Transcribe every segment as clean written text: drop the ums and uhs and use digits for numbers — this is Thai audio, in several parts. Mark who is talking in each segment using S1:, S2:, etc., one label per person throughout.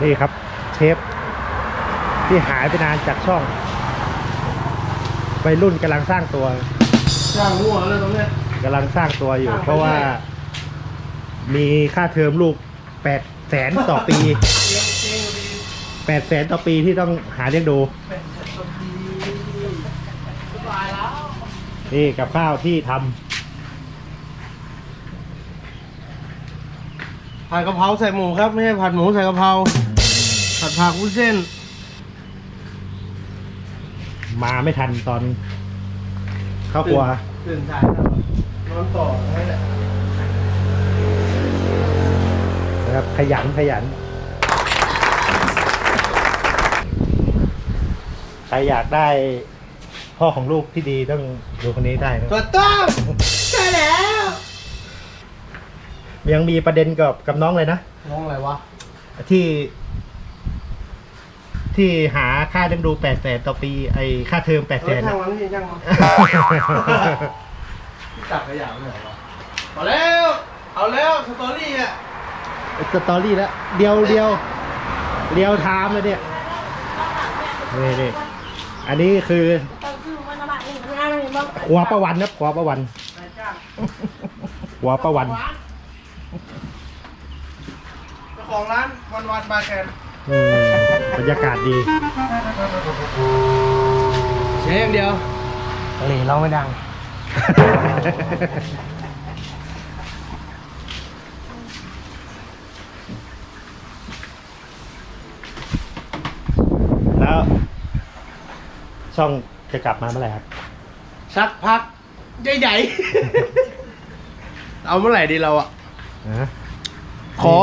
S1: นี่ครับเชฟที่หายไปนานจากช่องวัยรุ่นกำลังสร้างตัว
S2: สร้างหัวเลยตรงเนี้ย
S1: กำลังสร้างตัวอยู่ เพราะว่ามีค่าเทอมลูก800,000ต่อปี800,000ต่อปีที่ต้องหาเลี้ยงดูนี่กับข้าวที่ทำ
S2: ผัดกะเพราใส่หมูครับไม่ใช่ผัดหมูใส่กะเพราผัดผักวุ้นเส้น
S1: มาไม่ทันตอนเข้าครัว
S2: ตื่นสายนอนต่อให้แหละ
S1: นะครับขยันใครอยากได้พ่อของลูกที่ดีต้องดูคนนี้ได้นะ
S2: ตัวต้มใช่แล้ว
S1: ยังมีประเด็นกับน้องเลยนะ
S2: น้องอะไรวะ
S1: ที่หาค่าเลี้ยงดู800,000ต่อปีไอค่าเทอม800,000
S2: ช่างมันนี่ช่างมันจับขยะไม่เหรอวะเอาแล้วสตอรี่อ่ะ
S1: สตอรี่แล้วเดียวไทม์เลยเนี่ยนี่อันนี้คือหัวประวันครับหัวประวันหัวประวัน
S2: เจ้าของร้านวันบาร์แคน
S1: บรรยากาศดี
S2: เสียอย่างเดียวหลีเราไม่ดัง
S1: แล้วช่องจะกลับมาเมื่อไหร่ครับ
S2: สักพักใหญ่ๆ เอาเมื่อไหร่ดีเราอ่ะ ขอ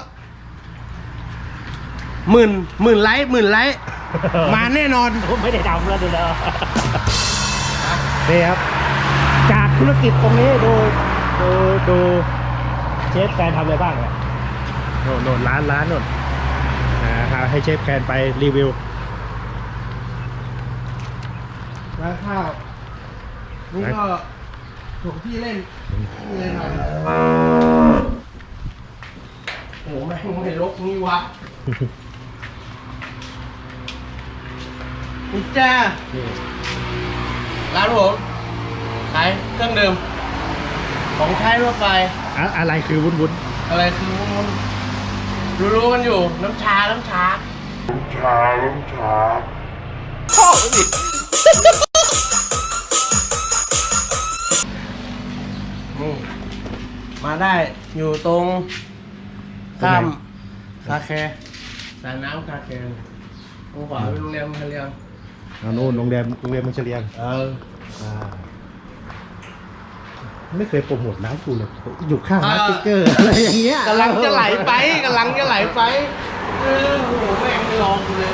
S2: หมื่นไลค์มาแน่นอน
S1: ไม่ได้ทำแล้วดูแล้วนี่ครับจากธุรกิจตรงนี้ดูเชฟแฟนทำอะไรบ้างเนี่ยโน่นร้านโน่นให้เชฟแฟนไปรีวิว
S2: ร้านข้าวนี่ก็ถูกที่เล่นหน่อยโอ้โหแม่งไม่ลกนี่วะนี่จ้าร้านผมขายเครื่องดื่มของใช้ทั่วไป
S1: อะไรคือวุ้น
S2: อะไรคือมันรู้กันอยู่น้ำชาพ่อดิมาได้อยู่ตรงข้ามคาแคร์สายน้ำคาแคร์ตรงขวาเป็นโรงแรมคาเรียม
S1: โน่นโรงแรมมันเฉลียงไม่เคยโปรโมทร้านกูเลยอยู่ข้างร้านสติ๊กเกอร์อะไรอย่างเงี้ย
S2: กำลังจะไหลไปโอ้โหแม่งไม่ลองกูเลย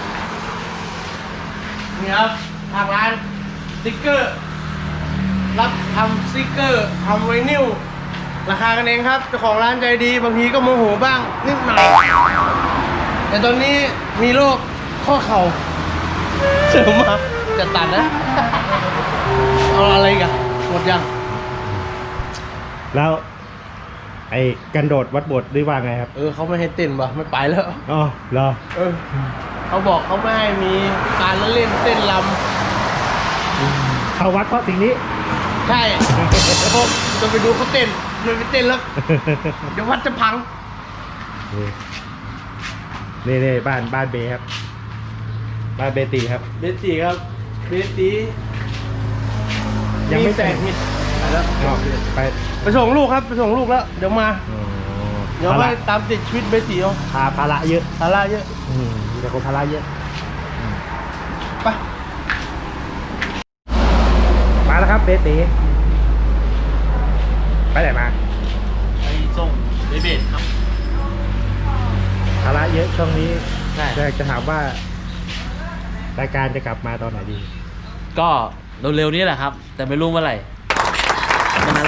S2: นี่ครับทางร้านสติ๊กเกอร์รับทำสติ๊กเกอร์ทำไวนิลราคากันเองครับเจ้าของร้านใจดีบางทีก็โมโหบ้างนิดหน่อยแต่ตอนนี้มีโรคข้อเข่าเสริมมาจะตัดนะเอาอะไรกันหมดยัง
S1: แล้วไอ้กันโดดวัดโบสถ์หรือว่าไงครับ
S2: เขาไม่ให้เต้นว่ะไม่ไปแล้ว
S1: อ๋อเหรอ
S2: เขาบอกเขาไม่ให้มีการเล่นเต้นรำ
S1: เข้าวัดเพราะสิ่งนี้
S2: ใช่ผมจะไปดูเขาเต้นไม่ไปเต้นแล้ว เดี๋ยววัดจะพัง
S1: นี่บ้านเบครับบ้านเบตีครับ
S2: เบตีครับเบตี
S1: ยังไม่แตก
S2: มีไปแล้ว ไปส่งลูกครับไปส่งลูกแล้วเดี๋ยวมาเดี๋ยวไปตามติดชีวิตเบตีเอา
S1: ภาระเยอะ
S2: ภาระเยอะ
S1: มีแต่คนภาระเยอะ
S2: ไป
S1: มาแล้วครับเบตีไปไหนมา
S2: ไปส่งเบตครับ
S1: ภาระเยอะช่วงนี้
S2: ใช่
S1: จะถามว่ารายการจะกลับมาตอนไหนดี
S3: ก็เร็วๆนี้แหละครับ แต่ไม่รู้เมื่อไหร่นั้น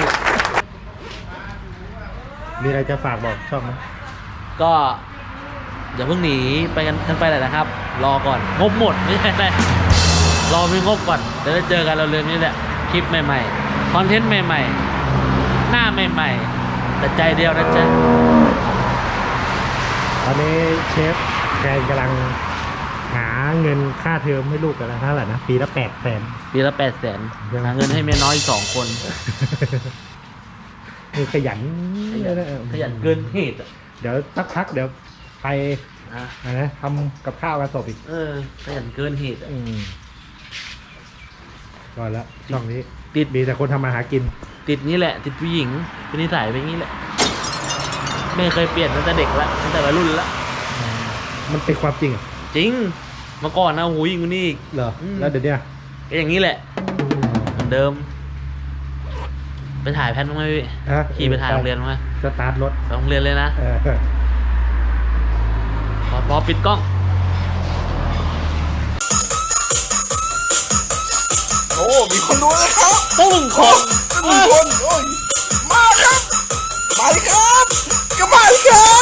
S1: มีอะไรจะฝากบอกช่องไหม
S3: ก็อย่าเพิ่งหนีไปกันไปเลยนะครับ รอก่อนงบหมดไม่ใช่ไหมรอมีงบก่อนเดี๋ยวจะเจอกันเร็วๆนี้แหละคลิปใหม่ๆคอนเทนต์ใหม่ๆหน้าใหม่ๆแต่ใจเดียวนะจ๊ะ
S1: ตอนนี้เชฟแกนกำลังหาเงินค่าเทอมให้ลูกกันแล้วเท่าไหร่นะปีละ800,000
S3: ปีละ800,000หาเงินให้เมียน้อยอีก2 คน
S1: คือขยัน
S3: ขยันเกินเหตุอะ
S1: เดี๋ยวสักพักเดี๋ยวไป
S3: อ่ะ
S1: อะไรนะทำกับข้าวกันศพอีก
S3: ขยันเกินเหตุอะ
S1: ก่อนละช่องนี้
S3: ติด
S1: มีแต่คนทำมาหากิน
S3: ติดนี้แหละ ติดผู้หญิงเป็นนิสัยเป็นอย่างนี้แหละไม่เคยเปลี่ยนตั้งแต่เด็กละตั้งแต่วัยรุ่นละ
S1: มันเป็นความจริงเหรอ
S3: จริงเมื่อก่อนนะโอ้โหยิ่งกว่านี้อีก
S1: เหรอ
S3: อืม
S1: แล้วเดี๋ยวเนี้ย
S3: ก็อย่างนี้แหละเหมือนเดิม ไปถ่ายแพทบ้างไหมพี่
S1: ฮะ
S3: ขี่ไปถ่ายโรงเรียนบ้างไหม
S1: สตาร์ทรถ
S3: ไปโรงเรียนเลยนะ
S1: เออ
S3: พอปิดกล้อง
S4: โอ้มีคนดูแล้วครับ
S3: ตึ้งคน
S4: 1 คนโอ้ยมาครับไปครับก็ไปครับ